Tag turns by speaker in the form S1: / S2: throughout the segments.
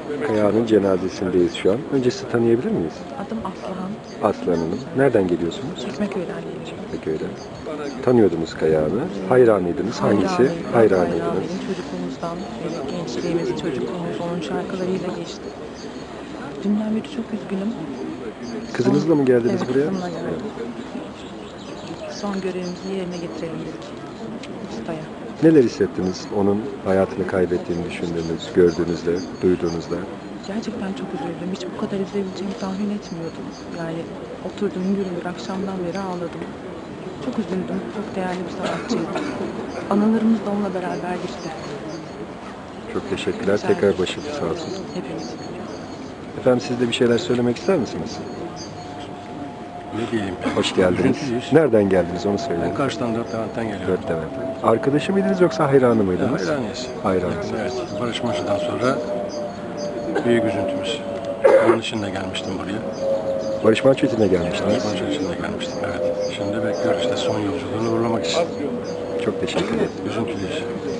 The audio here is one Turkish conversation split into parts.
S1: Kaya'nın cenazesindeyiz şu an. Önce sizi tanıyabilir miyiz?
S2: Adım Aslıhan.
S1: Aslan Hanım. Nereden geliyorsunuz?
S2: Çekmeköy'den geliyorum.
S1: Çekmeköy'den. Tanıyordunuz Kaya'nı. Hayranıydınız. Hangisi? Hayranıydınız.
S2: Çocukluğumuzdan beri, gençliğimiz, çocukluğumuz onun şarkılarıyla geçti. Dünden beri çok üzgünüm.
S1: Kızınızla mı geldiniz
S2: Evet,
S1: buraya?
S2: kızımla geldim. Son görevimizi yerine getirelim dedik. Ustaya.
S1: Neler hissettiniz onun hayatını kaybettiğini düşündüğünüz, gördüğünüzde, duyduğunuzda?
S2: Gerçekten çok üzüldüm. Hiç bu kadar üzülebileceğimi tahmin etmiyordum. Yani oturdum gümbür akşamdan beri ağladım. Çok üzüldüm. Çok değerli bir sanatçıydı. Anılarımız da onunla beraber geçti.
S1: Çok teşekkürler.
S2: Rica
S1: Tekrar
S2: ederim.
S1: başınız sağ olsun.
S2: Hepimiz.
S1: Efendim siz de bir şeyler söylemek ister misiniz?
S3: Ne diyeyim?
S1: Hoş geldiniz.
S3: Üzüntülüyüz.
S1: Nereden geldiniz onu söyleyin.
S3: Ben karşıdan Dört Levent'ten geliyorum.
S1: Dört Levent. Arkadaşı mıydınız yoksa hayranı mıydınız?
S3: Hayranıyız.
S1: Hayranısınız.
S3: Evet. Barış Manço'dan sonra büyük üzüntümüz. Onun için de gelmiştim buraya.
S1: Barış Manço için de
S3: Barış
S1: gelmiştiniz.
S3: Manço için de gelmiştim. Evet. Şimdi bekliyoruz işte son yolculuğunu uğurlamak için.
S1: Çok teşekkür ederim.
S3: Üzüntülüyüz.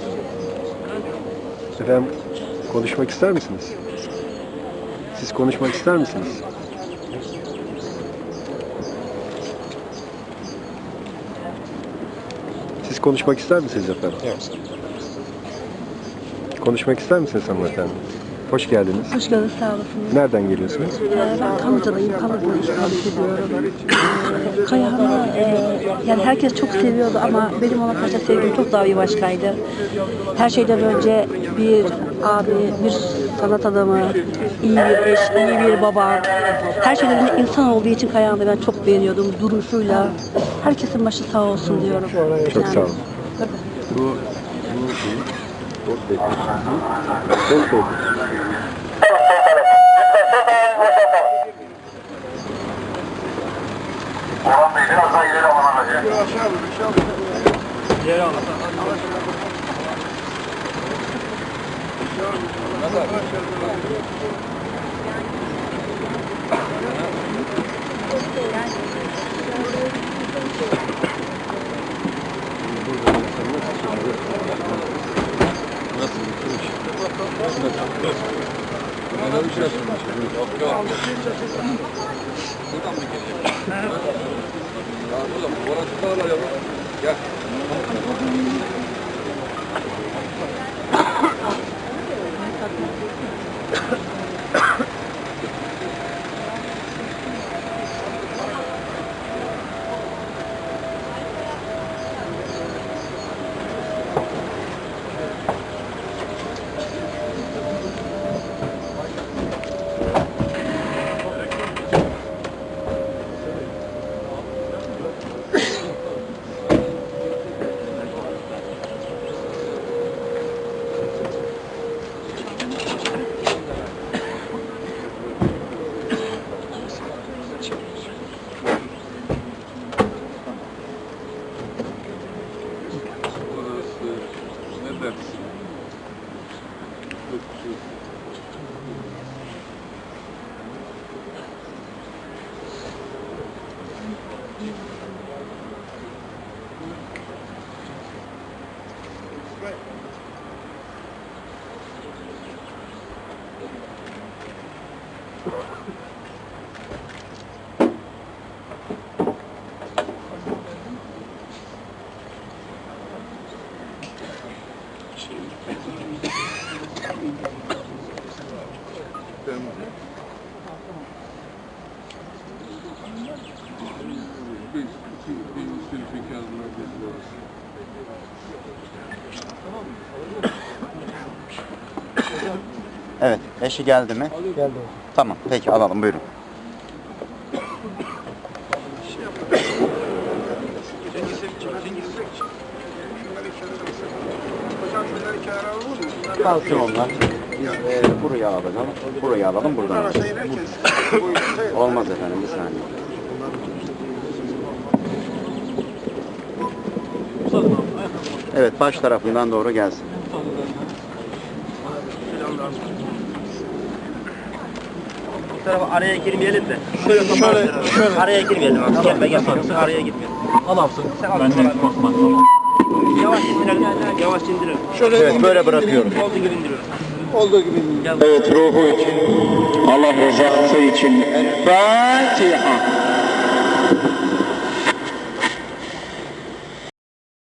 S1: Efendim konuşmak ister misiniz? Siz konuşmak ister misiniz? Siz konuşmak ister misiniz efendim? Konuşmak ister misiniz hanımefendi? Hoş geldiniz.
S4: Hoş geldiniz, sağ olasınız.
S1: Nereden geliyorsunuz?
S4: Ben Kanlıca'dayım, Kanlıca'da ikamet ediyorum. Kayahan'ı yani herkes çok seviyordu ama benim ona karşı sevgim çok daha bir başkaydı. Her şeyden önce bir abi, bir sanat adamı, iyi bir eş, iyi bir baba. Her şeyden önce insan olduğu için Kayahan'ı ben çok beğeniyordum duruşuyla. Herkesin başı sağ olsun diyorum.
S1: Çok sağ olun.
S3: Bu
S1: Dost Bey. Dost Bey.
S5: Orhan Bey biraz daha ileri alan aracı.
S6: Evet, eşi geldi mi?
S1: Geldi.
S6: Tamam, peki alalım, buyurun. Kalsın onlar. Biz buraya alalım, buraya alalım, buradan alalım. Olmaz efendim, bir saniye. Evet, baş tarafından doğru gelsin.
S7: Bu tarafa araya girmeyelim de. Şöyle araya girmeyelim abi. Gel be gel. Araya girmeyelim.
S8: Al alsın. Benden korkma.
S7: Yavaş indirelim. Yavaş indirelim.
S6: Evet, böyle bırakıyorum.
S7: Olduğu gibi indirelim.
S8: Evet, ruhu için, Allah rızası için. Fatiha.